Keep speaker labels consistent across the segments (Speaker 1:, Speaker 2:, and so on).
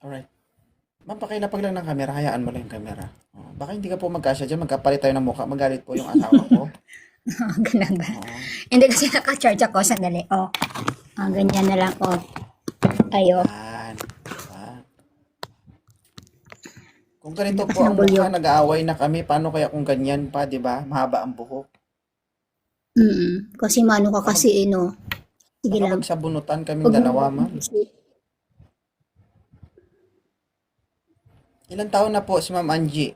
Speaker 1: Alright. Ma'am, pakilapag lang ng camera. Hayaan mo lang yung camera. Oh, baka hindi ka po magkasya dyan. Magkapalit tayo ng mukha. Magalit po yung asawa ko.
Speaker 2: Ganun ba?
Speaker 1: Oo.
Speaker 2: Hindi kasi naka-charge ako. Sandali. Ganyan na lang. Ayo.
Speaker 1: Yan. Diba? Kung ganito
Speaker 2: Lakas
Speaker 1: po
Speaker 2: ng
Speaker 1: ang mukha,
Speaker 2: bulyo.
Speaker 1: nag-aaway na kami. Paano kaya kung ganyan pa, di ba? Mahaba ang buhok.
Speaker 2: Kasi mano ka
Speaker 1: Baka, mag,
Speaker 2: kasi, Sige
Speaker 1: baka
Speaker 2: lang.
Speaker 1: magsabunutan kaming
Speaker 2: Huwag mo
Speaker 1: dalawa, ma'am.
Speaker 2: kasi.
Speaker 1: Ilang taon na po si Ma'am Angie?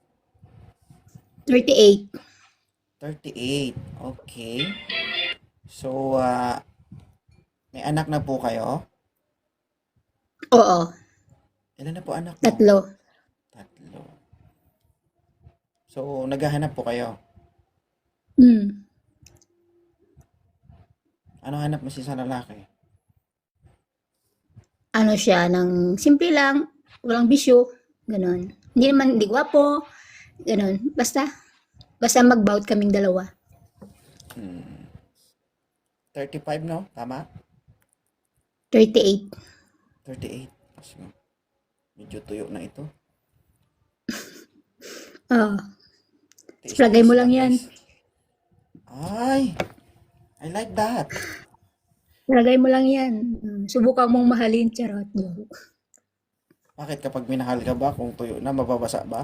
Speaker 2: 38.
Speaker 1: 38. Okay. So, may anak na po kayo?
Speaker 2: Oo.
Speaker 1: Ilan na po anak mo?
Speaker 2: 3.
Speaker 1: Tatlo. So, naghahanap po kayo.
Speaker 2: Hmm.
Speaker 1: Ano hanap mo sa lalaki?
Speaker 2: Ano siya, ng simple lang. Walang bisyo. Ganon. Hindi naman, hindi gwapo. Ganon. Basta mag-bout kaming dalawa.
Speaker 1: 35, no? Tama?
Speaker 2: 38.
Speaker 1: 38. Mas medyo tuyo na ito.
Speaker 2: Oo. Lagay
Speaker 1: Tiis-tiis
Speaker 2: mo lang
Speaker 1: lang,
Speaker 2: yan.
Speaker 1: guys. Ay! I like that.
Speaker 2: Lagay mo lang yan. Subukan mong mahalin. Charot.
Speaker 1: Bakit kapag minahal ka ba, kung tuyo na, mababasa ba?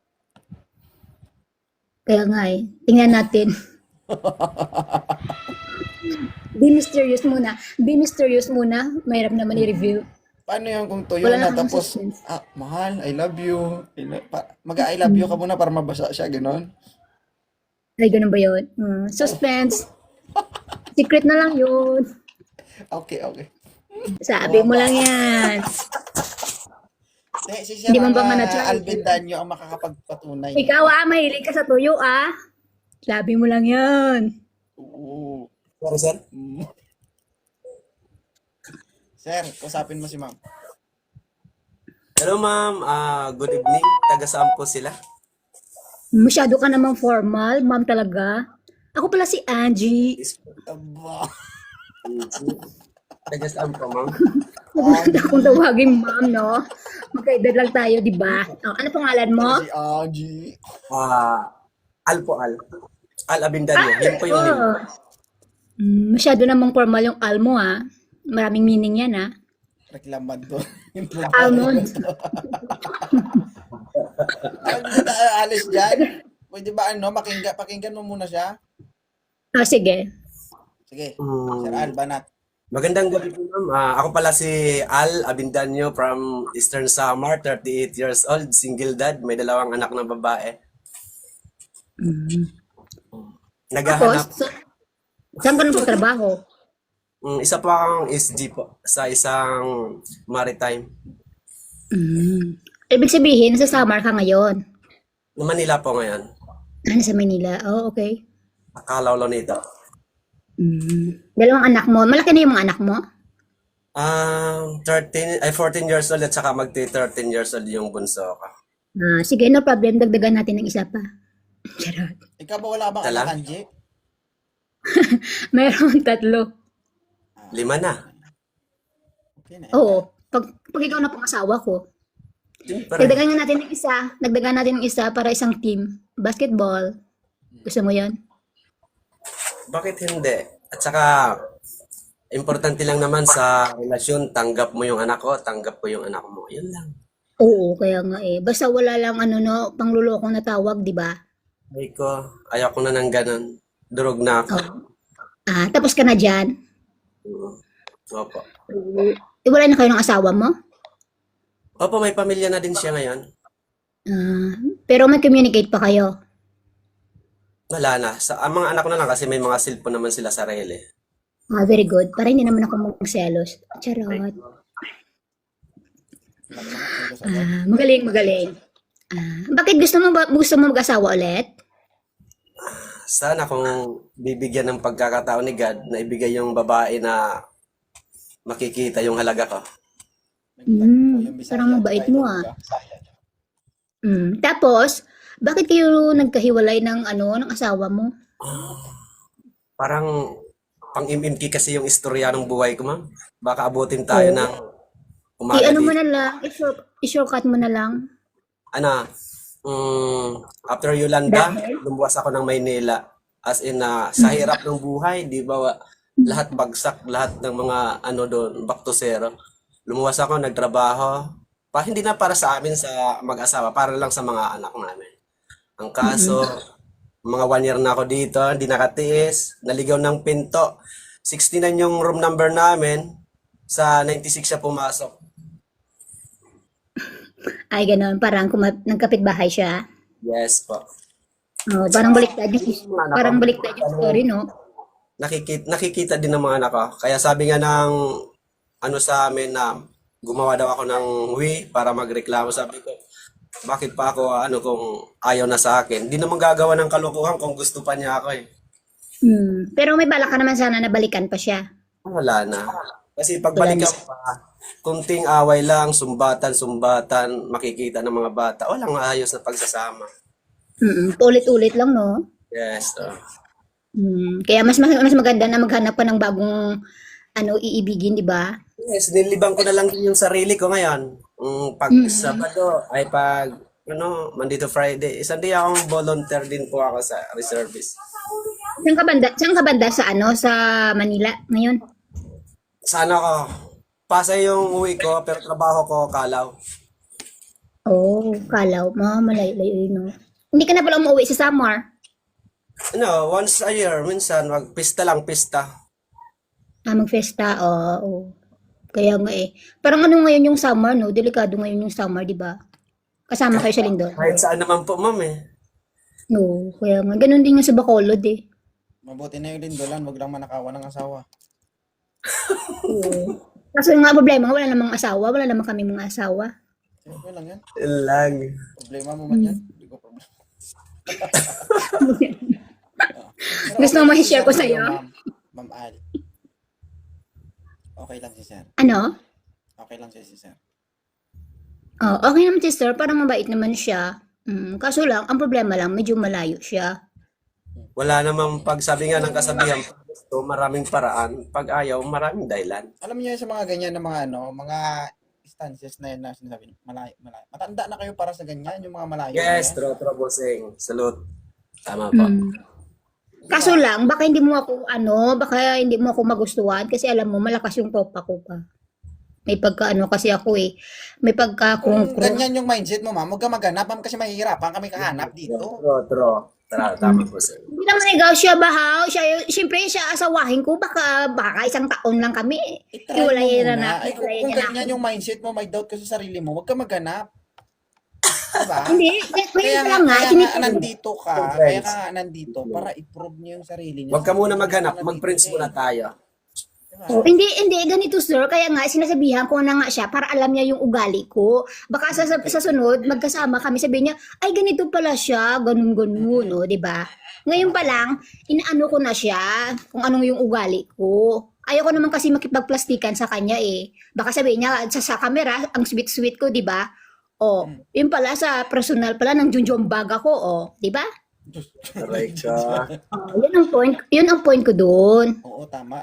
Speaker 2: Kaya nga tingnan natin. Be mysterious muna. Be mysterious muna. Mahirap naman i-review.
Speaker 1: Paano yan kung tuyo
Speaker 2: Wala
Speaker 1: na,
Speaker 2: na akong
Speaker 1: tapos,
Speaker 2: suspense.
Speaker 1: mahal, I love you. Mag-I love you ka muna para mabasa siya, gano'n?
Speaker 2: Ay, ganun ba yun? Suspense. Secret na lang yun.
Speaker 1: Okay, okay.
Speaker 2: Sabi mo lang yan.
Speaker 1: Si Sir
Speaker 2: Hindi mo ba nga
Speaker 1: Alvin Danyo ang makakapagpatunay
Speaker 2: Ikaw
Speaker 1: nito.
Speaker 2: mahilig ka sa tuyo Sabi mo lang yan.
Speaker 1: Oo.
Speaker 3: Sorry, sir.
Speaker 1: Mm. Sir, kusapin mo si ma'am.
Speaker 3: Hello, ma'am. Good evening. Taga saan po sila?
Speaker 2: Masyado ka namang formal, ma'am talaga. Ako pala si Angie.
Speaker 1: Aba.
Speaker 3: Taga saan po, ma'am?
Speaker 2: Huwag mo na akong tawagin ma'am, no? Magkaedad lang tayo, di ba? Ano pangalan mo?
Speaker 1: Si Angie.
Speaker 3: Al po, Al. Al Abindanyo. Yun po yung name.
Speaker 2: Masyado namang formal yung al mo, Maraming meaning yan,
Speaker 1: Reklamado.
Speaker 2: Almond.
Speaker 1: Hindi tayo alis dyan. Pwede ba pakinggan mo muna siya?
Speaker 2: Sige.
Speaker 1: Sige.
Speaker 3: Mm,
Speaker 1: Sir Al, banat.
Speaker 3: Magandang gabi po, ma'am. Ako pala si Al Abindanyo from Eastern Samar, 38 years old, single dad, may 2 anak na babae.
Speaker 2: Tapos,
Speaker 3: Naghahanap.
Speaker 2: saan ka nagtatrabaho?
Speaker 3: Isa pa akong SG po sa isang maritime.
Speaker 2: Ibig sabihin, nasa Samar ka ngayon.
Speaker 3: Manila po ngayon.
Speaker 2: Nasa Manila. Oh, okay.
Speaker 3: Akalaw lang nito.
Speaker 2: 2 anak mo. Malaki na yung mga anak mo?
Speaker 3: 14 years old at saka magti-13 years old yung bunso ko.
Speaker 2: Sige, no problem. Dagdagan natin ng isa pa. Charot.
Speaker 1: Ikaw ba wala ka bang
Speaker 3: Dala?
Speaker 1: anak, Angie?
Speaker 2: Meron 3.
Speaker 3: 5 na.
Speaker 1: Okay na.
Speaker 2: Oo. Pag ikaw na pang asawa ko.
Speaker 3: Siyempre.
Speaker 2: Dagdagan nga natin ng isa. Dagdagan natin ng isa para isang team. Basketball. Gusto mo yan?
Speaker 3: Bakit hindi? At saka, importante lang naman sa relasyon, tanggap mo yung anak ko, tanggap ko yung anak mo. Yun lang.
Speaker 2: Oo, kaya nga Basta wala lang panglulokong na tawag, di ba?
Speaker 3: Ay ko, ayaw ko na ng ganun. Durog na ako.
Speaker 2: Tapos ka na dyan.
Speaker 3: Opo.
Speaker 2: Wala na kayo ng asawa mo?
Speaker 3: Opo, may pamilya na din siya ngayon.
Speaker 2: Pero may communicate pa kayo.
Speaker 3: Wala na. Ang mga anak ko na lang kasi may mga cellphone naman sila sarili.
Speaker 2: Very good. Para hindi naman ako magselos. Charot. Magaling. Bakit gusto mo mag-asawa ulit?
Speaker 3: Sana kung bibigyan ng pagkakataon ni God na ibigay yung babae na makikita yung halaga ko.
Speaker 2: Parang mabait mo Tapos, bakit kayo nagkahiwalay ng ng asawa mo?
Speaker 3: Parang pang-imimki kasi yung istorya ng buhay ko, ma'am. Baka abutin tayo ng Umaga
Speaker 2: I-ano mo
Speaker 3: dito.
Speaker 2: na lang, i-shortcut mo na lang.
Speaker 3: Ano, after Yolanda,
Speaker 2: Dahil?
Speaker 3: lumuwas ako ng Maynila. As in, sa hirap ng buhay, di ba, lahat bagsak, lahat ng mga ano doon, back to zero. Lumuwas ako, nagtrabaho. Hindi na para sa amin sa mag-asawa, para lang sa mga anak namin. Ang kaso, mga 1 year na ako dito, hindi nakatiis, naligaw ng pinto. 69 yung room number namin, sa 96 siya pumasok.
Speaker 2: Ay, ganun. Parang nagkapit-bahay siya.
Speaker 3: Yes po.
Speaker 2: Oh, parang baliktad yung,
Speaker 3: Mga anak ko,
Speaker 2: parang baliktad yung story, no?
Speaker 3: nakikita din ng mga anak ko. Kaya sabi nga ng ano sa amin na gumawa daw ako ng para magreklamo. Sabi ko, bakit pa ako kung ayaw na sa akin? Hindi naman gagawa ng kalokohan kung gusto pa niya ako eh.
Speaker 2: Pero may balak ka naman sana na balikan pa siya.
Speaker 3: Wala na. Kasi pagbalikan pa, kunting away lang, sumbatan, makikita ng mga bata. Walang ayos na pagsasama.
Speaker 2: Paulit-ulit lang, no?
Speaker 3: Yes.
Speaker 2: Kaya mas maganda na maghanap ka ng bagong iibigin, di ba?
Speaker 3: Yes, nilibang ko na lang din yung sarili ko ngayon. Pag Sabado ay Monday to Friday. Isang day akong volunteer din po ako sa reservist.
Speaker 2: Saan ka banda sa Manila ngayon?
Speaker 3: Sana ko. Pasay yung uwi ko, pero trabaho ko, Kalaw.
Speaker 2: Oh, Kalaw. Malayo-layo, no? Hindi ka na pala umuwi sa Samar.
Speaker 3: Once a year, minsan, pista lang, pista.
Speaker 2: Mag-festa, oo. Kaya nga eh. Parang ano ngayon yung summer, no? Delikado ngayon yung summer, di ba? Kasama kayo sa Lindol.
Speaker 3: Kahit saan naman po, ma'am eh.
Speaker 2: No, kaya nga. Ganun din yung sa Bacolod eh.
Speaker 1: Mabuti na yung lindolan, wag lang manakawan ng asawa.
Speaker 2: Oo. Kaso nga problema, wala namang asawa. Wala naman kami mga asawa.
Speaker 1: Okay lang yan.
Speaker 3: Lang.
Speaker 1: Problema mo man yan. Hindi ko problema. Pero
Speaker 2: Gusto mo ma-share ko
Speaker 1: si Sir
Speaker 2: sa'yo?
Speaker 1: Ma'am Al. Okay lang si Sir.
Speaker 2: Ano?
Speaker 1: Okay lang si Sir.
Speaker 2: Oh, okay naman si Sir. Parang mabait naman siya. Kaso lang, ang problema lang, medyo malayo siya.
Speaker 3: Wala namang pagsabi nga ng kasabihan. So, maraming paraan. Pag ayaw, maraming dahilan.
Speaker 1: Alam niyo sa mga ganyan na mga instances na yun na sinasabi, malayo. Matanda na kayo para sa ganyan, yung mga malayo.
Speaker 3: Yes,
Speaker 1: na yan.
Speaker 3: true, bossing. Salute. Tama po.
Speaker 2: Kaso lang, baka hindi mo ako magustuhan kasi alam mo, malakas yung tropa ko pa. May kasi ako eh. May
Speaker 1: Kung
Speaker 2: kung
Speaker 1: ganyan yung mindset mo, ma'am, huwag ka maghanap, ma'am, kasi mahihirapan kami kahanap dito.
Speaker 3: True. Tama po, sir.
Speaker 2: Hindi naman ikaw siya bahaw. Siyempre siya asawahin ko. Baka 1 taon lang kami.
Speaker 1: I-try mo
Speaker 2: Hiwalayin
Speaker 1: muna.
Speaker 2: na
Speaker 1: Ay, kung ganyan yung mindset mo, may doubt ka sa sarili mo, huwag ka maghanap. Diba?
Speaker 2: Hindi.
Speaker 1: Kaya
Speaker 2: Ngayon
Speaker 1: nga,
Speaker 2: lang nga.
Speaker 1: nandito ka. Kaya ka nandito para i-prove niya yung sarili niya.
Speaker 3: Huwag ka muna maghanap. Mag-prints muna tayo.
Speaker 2: Oh, hindi, ganito sir. Kaya nga, sinasabihan ko na nga siya para alam niya yung ugali ko. Baka sa sunod, magkasama kami, sabihin niya, ay ganito pala siya, ganun, no, di ba? Ngayon pa lang, inaano ko na siya kung anong yung ugali ko. Ayoko naman kasi makipagplastikan sa kanya eh. Baka sabihin niya, sa camera, ang sweet-sweet ko, di ba? Oh, yun pala sa personal pala ng junjombaga ko, oh, di ba?
Speaker 3: Correct siya.
Speaker 2: Oh, yun ang point ko doon.
Speaker 1: Oo, tama.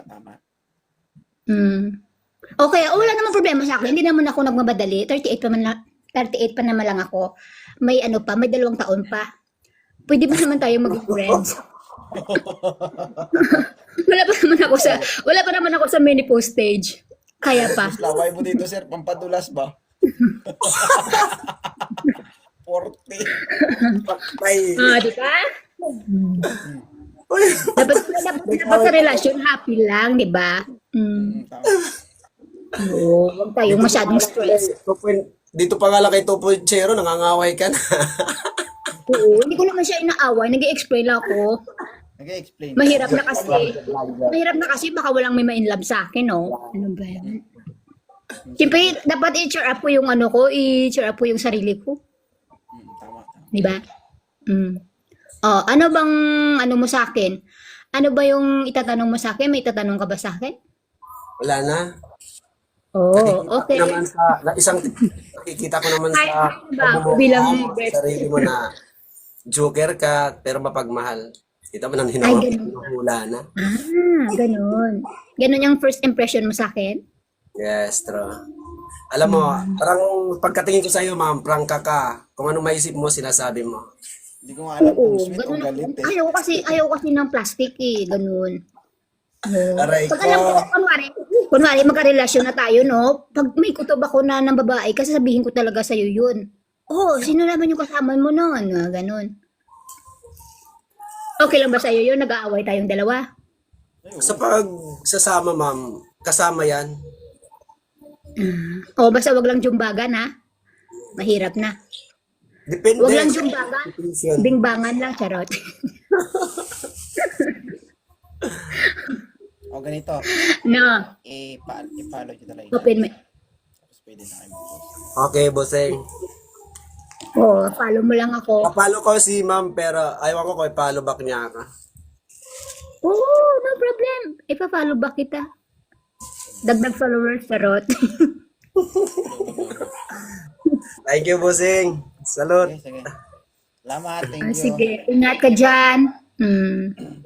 Speaker 2: Okay, wala namang problema sa akin. Hindi naman ako nagmamadali. 38 pa naman lang ako. May may 2 taon pa. Pwede ba naman tayo maging friends? wala pa naman ako sa menopause stage. Kaya pa.
Speaker 1: Mas laway mo dito, sir. Pampadulas ba? 40.
Speaker 3: Patay.
Speaker 2: Di ba? Dapat sa relasyon happy lang, di ba?
Speaker 1: Tama.
Speaker 2: Oo, huwag tayong masyadong stress.
Speaker 3: Dito pa nga lang kay 2.0, nangangaway ka na.
Speaker 2: Oo, hindi ko naman siya inaaway. Nag-i-explain lang ako.
Speaker 1: Nag-explain.
Speaker 2: Mahirap na kasi baka walang may ma-inlove sa akin, no? Ano ba yan? Siyempre, dapat i-cheer up ko yung i-cheer up ko yung sarili ko.
Speaker 1: Tama.
Speaker 2: Di ba? Oh, ano bang mo sa akin? Ano ba yung itatanong mo sa akin? May itatanong ka ba sa akin?
Speaker 3: Wala na.
Speaker 2: Oh, okay.
Speaker 3: Nakikita ko naman sa
Speaker 2: bilang
Speaker 3: sarili mo na joker ka, pero mapagmahal. Kita mo nang hinahula na.
Speaker 2: Ganun. Ganun yung first impression mo sa akin?
Speaker 3: Yes, true. Alam mo, parang pagkatingin ko sa'yo, ma'am, prangka ka. Kung ano maisip mo, sinasabi mo.
Speaker 1: Hindi ko nga alam kung
Speaker 2: Oo,
Speaker 1: sweet o
Speaker 2: ganun ako.
Speaker 1: galit eh.
Speaker 2: Ayaw kasi ng plastic eh, ganun. Oo.
Speaker 3: Aray
Speaker 2: Pag alam ko,
Speaker 3: ko.
Speaker 2: kunwari magkarelasyon na tayo, no? Pag may kutob ako na ng babae, kasi sabihin ko talaga sa'yo yun. Oh, sino naman yung kasama mo noon? Ganun. Okay lang ba sa'yo yun? Nag-aaway tayong dalawa?
Speaker 3: Sa pagsasama, ma'am, kasama yan.
Speaker 2: O, basta wag lang jumbagan, ha? Mahirap na.
Speaker 3: Depende.
Speaker 2: Wag lang jumbagan.
Speaker 3: Definition.
Speaker 2: Bingbangan lang, charot.
Speaker 1: O ganito,
Speaker 2: No,
Speaker 1: i-follow nyo talaga.
Speaker 2: open mo.
Speaker 1: Tapos pwede na kayo mag-post.
Speaker 3: Okay, bossing.
Speaker 2: Oh, follow mo lang ako.
Speaker 3: Papalo ko si ma'am, pero ayaw ko kung i-follow back niya ka.
Speaker 2: Oh, no problem. Ipa-follow back kita. Dagdag followers, charot.
Speaker 3: Thank you, bossing. Salute.
Speaker 1: Sige, sige. Salamat, thank you.
Speaker 2: Sige, ingat ka dyan.